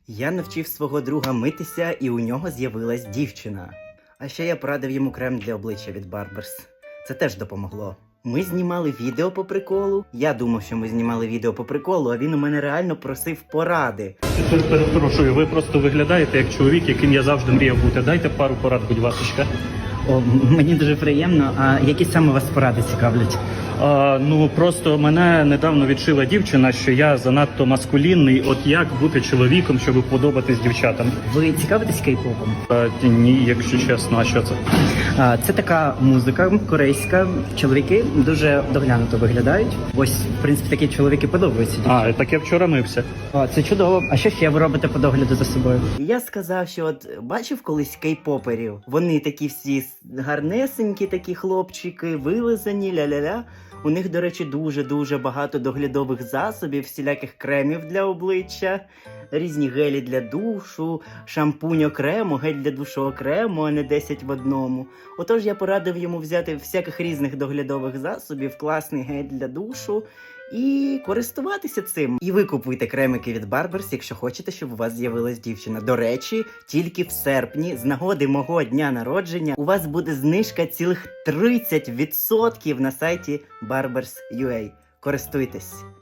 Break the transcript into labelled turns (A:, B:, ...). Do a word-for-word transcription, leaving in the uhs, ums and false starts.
A: Я навчив свого друга митися, і у нього з'явилась дівчина. А ще я порадив йому крем для обличчя від Barbers. Це теж допомогло. Ми знімали відео по приколу. Я думав, що ми знімали відео по приколу, а він у мене реально просив поради.
B: Перепрошую, ви просто виглядаєте як чоловік, яким я завжди мріяв бути. Дайте пару порад, будь ласка.
A: О, мені дуже приємно. А які саме вас поради цікавлять?
B: А, ну, просто мене недавно відшила дівчина, що я занадто маскулінний. От як бути чоловіком, щоб подобатись дівчатам?
A: Ви цікавитесь кей-попом?
B: А, ні, якщо чесно, а що це?
A: А, це така музика корейська. Чоловіки дуже доглянуто виглядають. Ось, в принципі, такі чоловіки подобаються.
B: А, так я вчора мився.
A: О, це чудово. А що ще ви робите по догляду за собою? Я сказав, що от бачив колись кей-поперів? Вони такі всі гарнесенькі, такі хлопчики, вилизані, ля-ля-ля. У них, до речі, дуже-дуже багато доглядових засобів, всіляких кремів для обличчя, різні гелі для душу, шампунь окремо, гель для душу окремо, а не десять в одному. Отож я порадив йому взяти всяких різних доглядових засобів, класний гель для душу і користуватися цим. І ви купуйте кремики від Barbers, якщо хочете, щоб у вас з'явилась дівчина. До речі, тільки в серпні, з нагоди мого дня народження, у вас буде знижка цілих тридцять відсотків на сайті Barbers точка ю а. Користуйтесь!